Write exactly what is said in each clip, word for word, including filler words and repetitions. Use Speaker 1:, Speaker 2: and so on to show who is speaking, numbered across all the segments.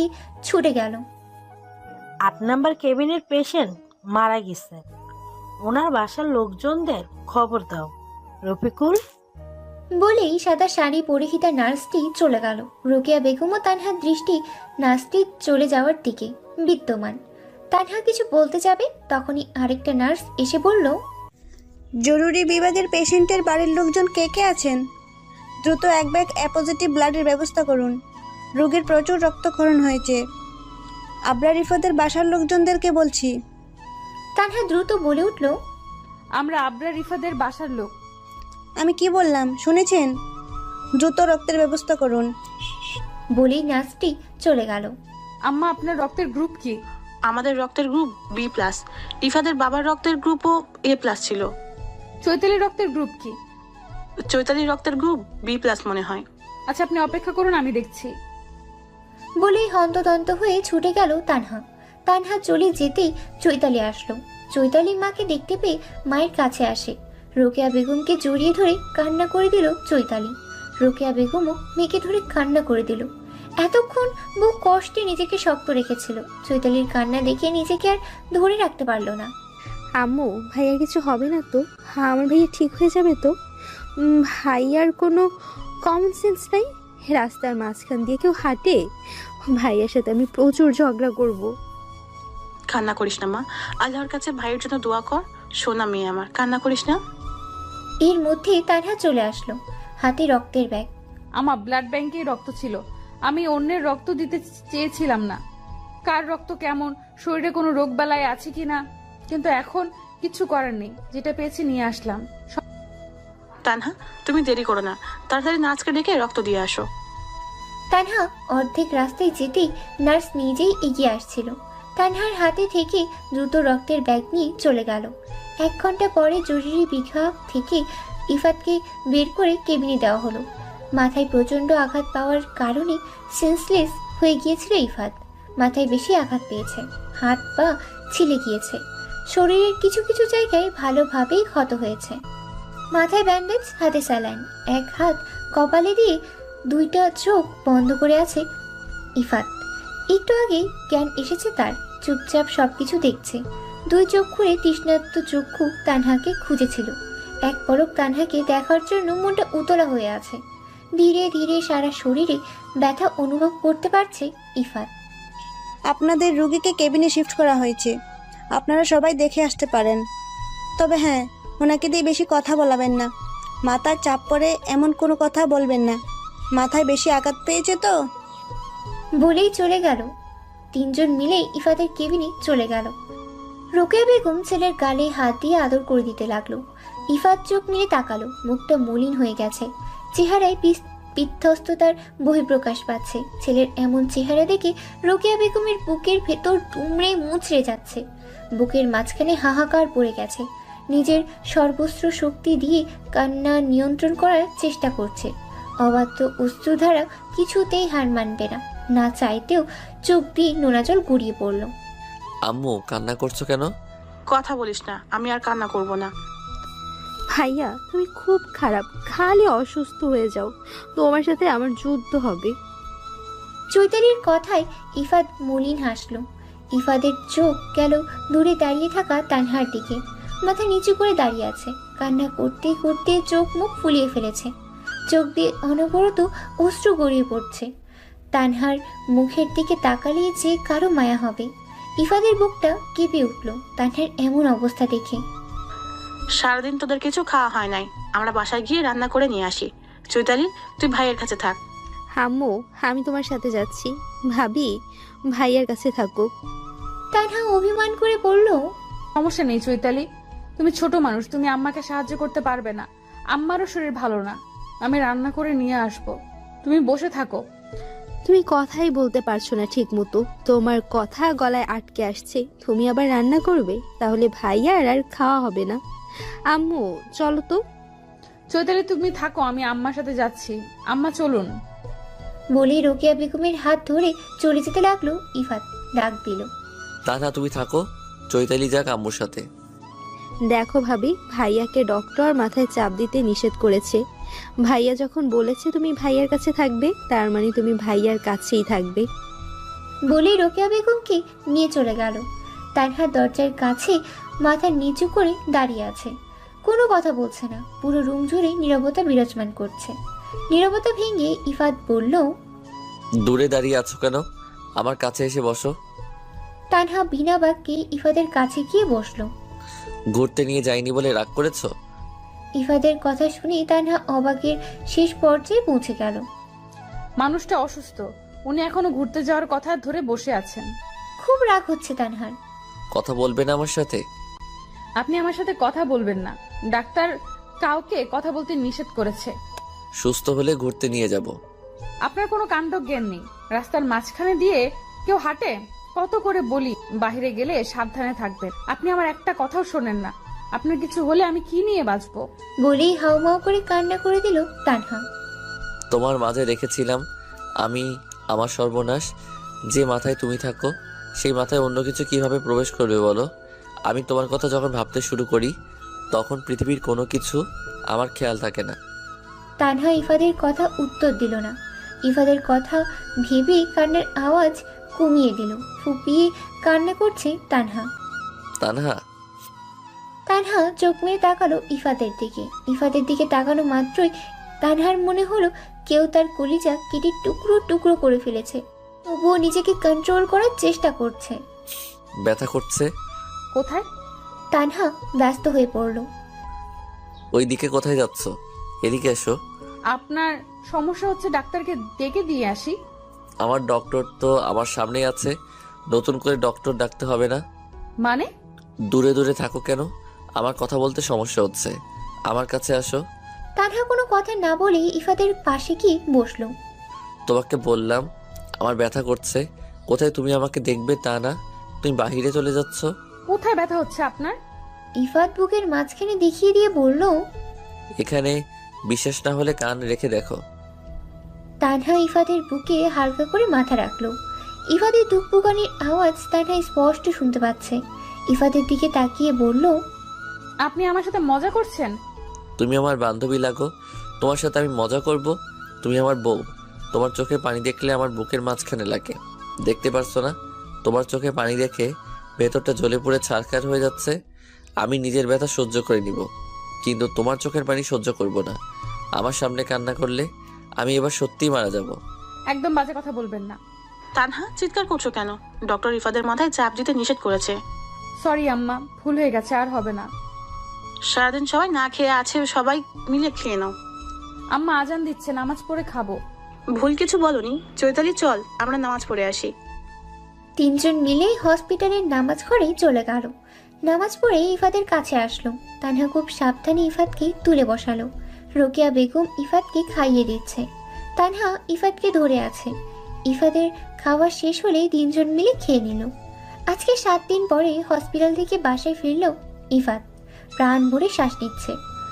Speaker 1: ছুটে গেল।
Speaker 2: আট নাম্বার কেবিনের পেশেন্ট মারা গেছে, ওনার বাসার লোকজনদের খবর দাও। রফিকুল
Speaker 1: বলেই সাদা শাড়ি পরিহিতা নার্সটি চলে গেল। রোকেয়া বেগম ও তানহার দৃষ্টি নার্সটি চলে যাওয়ার দিকে বিদ্যমান। তানহা কিছু বলতে যাবে, তখনই আরেকটা নার্স এসে বলল,
Speaker 3: জরুরি বিভাগের পেশেন্টের বাড়ির লোকজন কে কে আছেন? দ্রুত এক ব্যাগ এ পজিটিভ ব্লাডের ব্যবস্থা করুন। রোগীর প্রচুর রক্তক্ষরণ হয়েছে। আবরার রিফাতের বাসার লোকজনদেরকে বলছি।
Speaker 1: তানহা দ্রুত বলে উঠল,
Speaker 4: আমরা আবরার রিফাদের বাসার লোক।
Speaker 3: আমি কি বললাম শুনেছেন? দ্রুত রক্তের ব্যবস্থা করুন।
Speaker 1: বলেই নার্সটি চলে গেল।
Speaker 4: আম্মা, আপনার রক্তের গ্রুপ কি?
Speaker 5: আমাদের রক্তের গ্রুপ বি প্লাস। রিফাদের বাবার রক্তের গ্রুপও এ প্লাস ছিল।
Speaker 4: চৈতালির রক্তের গ্রুপ কি?
Speaker 5: চৈতালির রক্তের গ্রুপ বি প্লাস মনে হয়।
Speaker 4: আচ্ছা, আপনি অপেক্ষা করুন, আমি দেখছি।
Speaker 1: বলেই হন্তদন্ত হয়ে ছুটে গেল তানহা। তানহা চলে যেতেই চৈতালি আসলো। চৈতালি মাকে দেখতে পেয়ে মায়ের কাছে আসে। রোকেয়া বেগমকে জড়িয়ে ধরে কান্না করে দিল চৈতালি। রোকেয়া বেগমও মেয়েকে ধরে কান্না করে দিল। এতক্ষণ বহু কষ্টে নিজেকে শক্ত রেখেছিল। চৈতালির কান্না দেখে নিজেকে আর ধরে রাখতে পারল না।
Speaker 6: আম্মু, ভাইয়া কিছু হবে না তো? হ্যাঁ, আমার ভাইয়া ঠিক হয়ে যাবে তো? উম, ভাইয়ার কোনো কমন সেন্স নাই? রাস্তার মাঝখান দিয়ে কেউ হাঁটে? ভাইয়ার সাথে আমি প্রচুর ঝগড়া করব।
Speaker 5: কান্না করিস না মা, আল্লাহর কাছে ভাইয়ের জন্য দোয়া কর। সোনা মেয়ে আমার, কান্না করিস না।
Speaker 1: এর মধ্যে তানহা চলে আসলো, হাতে রক্তের ব্যাগ।
Speaker 4: আমার ব্লাড ব্যাংকে রক্ত ছিল, আমি অন্যের রক্ত দিতে চেয়েছিলাম না। কার রক্ত কেমন, শরীরে কোনো রোগ বালাই আছে কিনা, কিন্তু এখন কিছু করার নেই, যেটা পেয়েছি নিয়ে আসলাম।
Speaker 5: তানহা, তুমি দেরি করো না, তাড়াতাড়ি নার্সকে ডেকে রক্ত দিয়ে আসো।
Speaker 1: তানহা অর্ধেক রাস্তায় যেতেই নার্স নিজেই এগিয়ে আসছিল। তানহার হাতে থেকে দ্রুত রক্তের ব্যাগ নিয়ে চলে গেল। এক ঘন্টা পরে জরুরি বিভাগ থেকে ইফাতকে বের করে কেবিনে দেওয়া হলো। মাথায় প্রচণ্ড আঘাত পাওয়ার কারণে সেন্সলেস হয়ে গিয়েছিল ইফাত। মাথায় বেশি আঘাত পেয়েছে, হাত পা ছিলে গিয়েছে, শরীরের কিছু কিছু জায়গায় ভালোভাবেই ক্ষত হয়েছে। মাথায় ব্যান্ডেজ, হাতে স্যালাইন, এক হাত কপালে দিয়ে দুইটা চোখ বন্ধ করে আছে ইফাত। একটু আগেই জ্ঞান এসেছে তার, চুপচাপ সবকিছু দেখছে। দুই চোখ খুলে তৃষ্ণার্ত চক্ষু তানহাকে খুঁজেছিল। এক পলক তানহাকে দেখার জন্য মনটা উতলা হয়ে আছে। ধীরে ধীরে সারা শরীরে ব্যথা অনুভব করতে পারছে ইফাত।
Speaker 3: আপনাদের রোগীকে কেবিনে শিফট করা হয়েছে, আপনারা সবাই দেখে আসতে পারেন। তবে হ্যাঁ, ওনাকে দিয়ে বেশি কথা বলাবেন না। মাথার চাপ পড়ে এমন কোনো কথা বলবেন না। মাথায় বেশি আঘাত পেয়েছে তো।
Speaker 1: বলেই চলে গেল। তিনজন মিলেই ইফাতের কেবিনে চলে গেল। রোকেয়া বেগম ছেলের গালে হাত দিয়ে আদর করে দিতে লাগলো। ইফাত চোখ মেলে তাকালো, মুখটা মলিন হয়ে গেছে, চেহারায় বিধ্বস্ততার বহিঃপ্রকাশ পাচ্ছে। ছেলের এমন চেহারা দেখে রোকেয়া বেগমের বুকের ভেতর দুমড়ে মুচড়ে যাচ্ছে। বুকের মাঝখানে হাহাকার পড়ে গেছে। নিজের সর্বস্ব শক্তি দিয়ে কান্না নিয়ন্ত্রণ করার চেষ্টা করছে। অবাধ্য অশ্রুধারা কিছুতেই হার মানবে না। না চাইতেও চোখ দিয়ে নোনা জল গড়িয়ে পড়ল।
Speaker 7: আম্মু, কান্না করছো কেন?
Speaker 5: কথা বলিস না, আমি আর কান্না করব না।
Speaker 6: ভাইয়া, তুমি খুব খারাপ, খালি অসুস্থ হয়ে যাও। তোমার সাথে আমার যুদ্ধ হবে।
Speaker 1: চৈতালির কথায় ইফাত মলিন হাসলো। ইফাদের চোখ গেল দূরে দাঁড়িয়ে থাকা তানহার দিকে। মাথা নিচু করে দাঁড়িয়ে আছে, কান্না করতে করতে চোখ মুখ ফুলিয়ে ফেলেছে। চোখ দিয়ে অনবরত অশ্রু গড়িয়ে পড়ছে। তানহার মুখের দিকে তাকালে যে কারো মায়া হবে। ইফাদের বুকটা কেঁপে উঠল তানহার এমন অবস্থা দেখে।
Speaker 5: সারাদিন তোদের কিছু খাওয়া হয় নাই, আমরা বাসায় গিয়ে রান্না করে নিয়ে আসি। চৈতালি, তুই ভাইয়ের কাছে থাক।
Speaker 6: আম্মু, আমি তোমার সাথে যাচ্ছি। ভাবি, ভাইয়ার কাছে থাকুক।
Speaker 1: তানহা অভিমান করে বলল,
Speaker 4: সমস্যা নেই চৈতালি, তুমি ছোট মানুষ, তুমি আম্মাকে সাহায্য করতে পারবে না। আম্মারও শরীর ভালো না, আমি রান্না করে নিয়ে আসবো, তুমি বসে থাকো।
Speaker 6: তুমি কথাই বলতে পারছো না ঠিক মতো, তোমার কথা গলায় আটকে আসছে। তুমি আবার রান্না করবে? তাহলে ভাইয়ার আর খাওয়া হবে না। আম্মু, চলো তো।
Speaker 4: চৈতালি, তুমি থাকো, আমি আম্মার সাথে যাচ্ছি। আম্মা চলুন।
Speaker 1: বলে রোকেয়া বেগমের হাত ধরে চলে যেতে লাগলো ইফাত। ডাক দিল,
Speaker 7: তানহা, তুমি থাকো, চৈতালি যাক আম্মুর সাথে।
Speaker 6: দেখো ভাবি, ভাইয়াকে ডক্টর মাথায় চাপ দিতে নিষেধ করেছে। ভাইয়া যখন বলেছে তুমি ভাইয়ার কাছে থাকবে, তার মানে তুমি ভাইয়ার কাছেই থাকবে।
Speaker 1: বলেই রোকেয়া বেগমকে নিয়ে চলে গেল। তানহা দরজার কাছে মাথা নিচু করে দাঁড়িয়ে আছে, কোনো কথা বলছে না। পুরো রুম জুড়ে নীরবতা বিরাজমান করছে। নীরবতা ভেঙে ইফাত বলল,
Speaker 7: দূরে দাঁড়িয়ে আছো কেন? আমার কাছে এসে বসো।
Speaker 1: তানহা বিনা বাক্যে ইফাদের কাছে গিয়ে বসলো।
Speaker 7: ঘুরতে নিয়ে যাইনি বলে রাগ করেছো?
Speaker 1: ইফাদের কথা শুনে তানহা অবাকের শেষ পর্যায়ে পৌঁছে গেল।
Speaker 4: মানুষটা অসুস্থ, উনি এখনো ঘুরতে যাওয়ার কথা ধরে বসে আছেন।
Speaker 1: খুব রাগ হচ্ছে তানহার।
Speaker 7: কথা বলবে না আমার সাথে?
Speaker 4: আপনি আমার সাথে কথা বলবেন না, ডাক্তার কাউকে কথা বলতে নিষেধ করেছে।
Speaker 7: সুস্থ হলে ঘুরতে নিয়ে যাব।
Speaker 4: আপনার কোনো কাণ্ড জ্ঞান নেই, রাস্তার মাঝখানে দিয়ে কেউ হাঁটে? কত করে বলি বাইরে গেলে সাবধানে থাকবেন, আপনি আমার একটা কথাও শোনেন না। আপনার কিছু হলে আমি কি নিয়ে বাঁচবো?
Speaker 1: বলেই হাউমাউ করে কান্না করে দিল তানহা।
Speaker 7: তোমার মাঝে রেখেছিলাম আমি আমার সর্বনাশ। যে মাথায় তুমি থাকো সেই মাথায় অন্য কিছু কিভাবে প্রবেশ করবে বলো? আমি তোমার কথা যখন ভাবতে শুরু করি তখন পৃথিবীর কোনো কিছু আমার খেয়াল থাকে না।
Speaker 1: তানহা ইফাদের কথা উত্তর দিল না। ইফাদের কথা ভেবে কান্নার আওয়াজ কমিয়ে দিল। ফুপিয়ে কান্না করছে তানহা।
Speaker 7: তানহা,
Speaker 1: তানহা চোখ মেরে তাকালো ইফাদের দিকে। ইফাদের দিকে তাকানো মাত্রই তানহার মনে হলো কেউ তার কলিজা কেটে টুকরো টুকরো করে ফেলেছে। তবুও নিজেকে কন্ট্রোল করার চেষ্টা করছে।
Speaker 7: ব্যথা করছে?
Speaker 4: কোথায়?
Speaker 1: তানহা ব্যস্ত হয়ে পড়ল।
Speaker 7: ওই দিকে কোথায় যাচ্ছ? এদিকে এসো।
Speaker 4: আপনার সমস্যা হচ্ছে, ডাক্তারকে ডেকে দিয়ে আসি।
Speaker 7: আমার ডক্টর তো আমার সামনেই আছে, নতুন করে ডক্টর ডাকতে হবে না।
Speaker 4: মানে?
Speaker 7: দূরে দূরে থাকো কেন? আমার কথা বলতে সমস্যা হচ্ছে, আমার কাছে আসো।
Speaker 1: তানহা কোনো কথা না বলে ইফাদের পাশে গিয়ে বসলো।
Speaker 7: তোমাকে বললাম আমার ব্যথা করছে, কোথায় তুমি আমাকে দেখবে তা না, তুমি বাহিরে চলে যাচ্ছ।
Speaker 4: কোথায় ব্যথা হচ্ছে আপনার?
Speaker 1: ইফাত বুকের মাঝখানে দেখিয়ে দিয়ে বলল।
Speaker 7: এখানে। বিশ্বাস না হলে কান রেখে দেখো।
Speaker 1: তানহা ইফাদের বুকে হালকা করে মাথা রাখলো। ইফাদের দুঃখপুকানির আওয়াজ তানহা স্পষ্ট শুনতে পাচ্ছে। ইফাদের দিকে তাকিয়ে বলল,
Speaker 4: আপনি আমার সাথে মজা করছেন?
Speaker 7: তুমি আমার বান্ধবী লাগো, তোমার সাথে আমি মজা করব? তুমি আমার বউ, তোমার চোখে পানি দেখলে আমার বুকের মাঝখানে লাগে, দেখতে পারছো না? তোমার চোখে পানি দেখে ভেতরটা জ্বলে পুড়ে ছারখার হয়ে যাচ্ছে। আমি নিজের ব্যথা সহ্য করে নিব, কিন্তু তোমার চোখের পানি সহ্য করব না। আমার সামনে কান্না করলে আমি এবার সত্যিই মারা যাব।
Speaker 4: একদম বাজে কথা বলবেন না।
Speaker 5: তানহা, চিৎকার করছো কেন? ডক্টর ইফাদের মাথায় চাপ দিতে নিষেধ করেছে।
Speaker 4: সরি আম্মা, ভুল হয়ে গেছে, আর হবে না।
Speaker 5: সারাদিন সবাই না খেয়ে আছে, সবাই মিলে খেয়ে নাও।
Speaker 4: আম্মা আজান দিচ্ছে, নামাজ পড়ে খাবো।
Speaker 5: ভুল কিছু বলনি চৈতালি, চল আমরা নামাজ পড়ে আসি।
Speaker 1: তিনজন মিলে হসপিটালের নামাজ ঘরে চলে গেল। নামাজ পড়ে ইফাদের কাছে আসলো। তানহা খুব সাবধানে ইফাতকে তুলে বসালো। রোকেয়া বেগম ইফাতকে খাইয়ে দিচ্ছে। তানহা ইফাতকে ধরে আছে। ইফাদের খাওয়া শেষ হলেই তিনজন মিলে খেয়ে নিল। আজকে সাত দিন পরে হসপিটাল থেকে বাসায় ফিরল ইফাত। প্রাণ ভরে শ্বাস নিচ্ছে।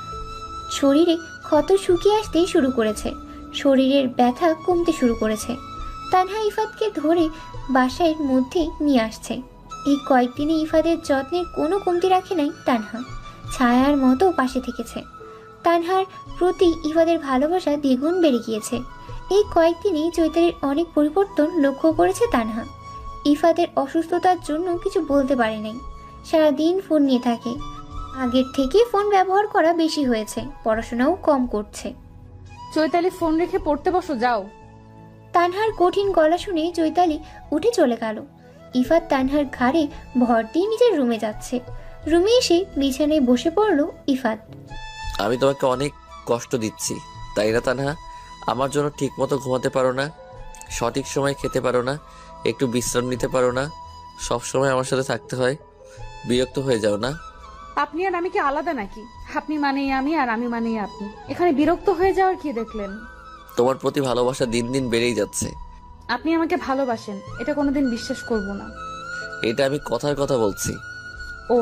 Speaker 1: শরীরে ক্ষত শুকিয়ে আসতে শুরু করেছে। শরীরের ব্যথা কমতে শুরু করেছে। তানহা ইফাতকে ধরে বাসার মধ্যে নিয়ে আসছে। এই কয়েকদিনে ইফাদের যত্নের কোনো কমতি রাখে নাই তানহা। ছায়ার মতো পাশে থেকেছে। তানহার প্রতি ইফাদের ভালোবাসা দ্বিগুণ বেড়ে গিয়েছে। এই কয়েকদিনে চৈতালির অনেক পরিবর্তন লক্ষ্য করেছে তানহা। ইফাদের অসুস্থতার জন্য কিছু বলতে পারে নাই। সারাদিন ফোন নিয়ে থাকে। আগের থেকে ফোন ব্যবহার করা বেশি হয়েছে, পড়াশোনাও কম করছে।
Speaker 4: চৈতালি, ফোন রেখে পড়তে বসো, যাও।
Speaker 1: তানহার কঠিন গলা শুনে চৈতালি উঠে চলে গেল। ইফাত তানহার ঘাড়ে ভর দিয়ে নিজের রুমে যাচ্ছে। রুমে এসে বিছানায় বসে পড়ল ইফাত।
Speaker 7: আমি তোমাকে অনেক কষ্ট দিচ্ছি তাই না তানহা? আমার জন্য ঠিক মতো ঘুমাতে পারো না, সঠিক সময় খেতে পারো না, একটু বিশ্রাম নিতে পারো না, সব সময় আমার সাথে থাকতে হয়। বিরক্ত হয়ে যাও না?
Speaker 4: আপনি আর আমি কি আলাদা নাকি? আপনি মানেই আমি আর আমি মানেই আপনি। এখানে বিরক্ত হয়ে যাওয়ার কি দেখলেন?
Speaker 7: তোমার প্রতি ভালোবাসা দিন দিন বেড়েই যাচ্ছে।
Speaker 4: আপনি আমাকে ভালোবাসেন, এটা কোনোদিন বিশ্বাস করব না।
Speaker 7: এটা আমি কথার কথা বলছি।
Speaker 4: ও,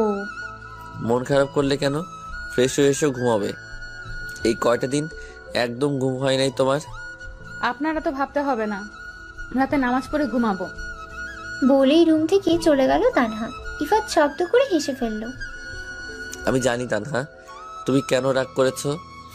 Speaker 7: মন খারাপ করলে কেন? ফ্রেশ হয়ে এসে ঘুমাবে। এই কয়টা দিন একদম ঘুম হয় নাই তোমার?
Speaker 4: আপনারা তো ভাবতে হবে না, রাতে নামাজ পড়ে ঘুমাবো।
Speaker 1: বলেই রুম থেকে চলে গেল তানহা। ইফাত শব্দ করে হেসে ফেলল।
Speaker 7: আমি জানি তানহা তুমি কেন রাগ করেছো।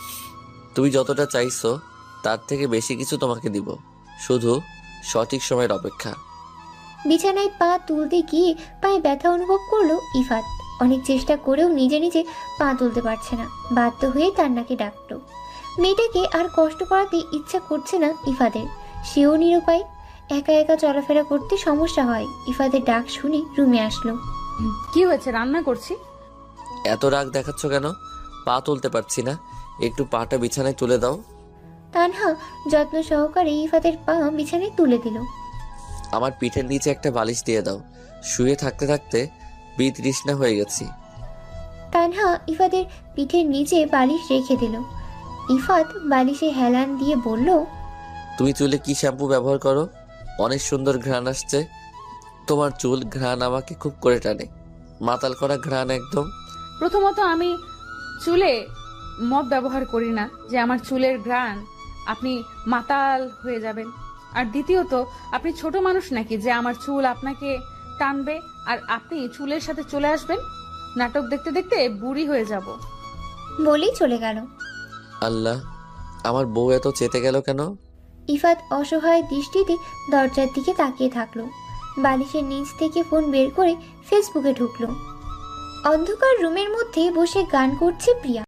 Speaker 7: তুমি যতটা চাইছো তার থেকে বেশি কিছু তোমাকে দিব, শুধু সঠিক সময়ের অপেক্ষা।
Speaker 1: বিছানায় পা তুলতে গিয়ে পায়ে ব্যথা অনুভব করলো ইফাত। অনেক চেষ্টা করেও নিজে নিজে পা তুলতে পারছে না, বাধ্য হয়ে তান্নাকে ডাকলো। মেয়েটাকে আর কষ্ট করাতে ইচ্ছা করছে না ইফাদের, সেও নিরুপায়। একা একা চলাফেরা করতে সমস্যা হয়। ইফাদের ডাক শুনে রুমে আসলো।
Speaker 4: হুম, কি হয়েছে? রান্না করছি।
Speaker 7: এত রাগ দেখাচ্ছ কেন? পা তুলতে পারছি না, একটু পাটা বিছানায় তুলে দাও।
Speaker 1: তানহা যত্ন সহকারে ইফাদের পা বিছানায় তুলে দিল।
Speaker 7: আমার পিঠের নিচে একটা বালিশ দিয়ে দাও, শুয়ে থাকতে থাকতে বিতৃষ্ণা হয়ে গেছি।
Speaker 1: তানহা ইফাদের পিঠের নিচে বালিশ রেখে দিল। ইফাত বালিশে হেলান দিয়ে বলল,
Speaker 7: তুমি চুলে কি শ্যাম্পু ব্যবহার করো? অনেক সুন্দর ঘ্রাণ আসছে তোমার চুল, ঘ্রাণ আমাকে খুব করে টানে, মাতাল করা ঘ্রাণ একদম।
Speaker 4: প্রথমত আমি চুলে মদ ব্যবহার করি না যে আমার চুলের ঘ্রাণ আপনি মাতাল হয়ে যাবেন। আর দ্বিতীয়ত আপনি ছোট মানুষ নাকি যে আমার চুল আপনাকে টানবে আর আপনি চুলের সাথে চলে আসবেন? নাটক দেখতে দেখতে বুড়ি হয়ে যাব।
Speaker 1: বলেই চলে গেল।
Speaker 7: আল্লাহ, আমার বউ এত চেতে গেল কেন?
Speaker 1: ইফাত অসহায় দৃষ্টিতে দরজার দিকে তাকিয়ে থাকলো। বালিশের নিচ থেকে ফোন বের করে ফেসবুকে ঢুকলো। অন্ধকার রুমের মধ্যে বসে গান করছে প্রিয়া।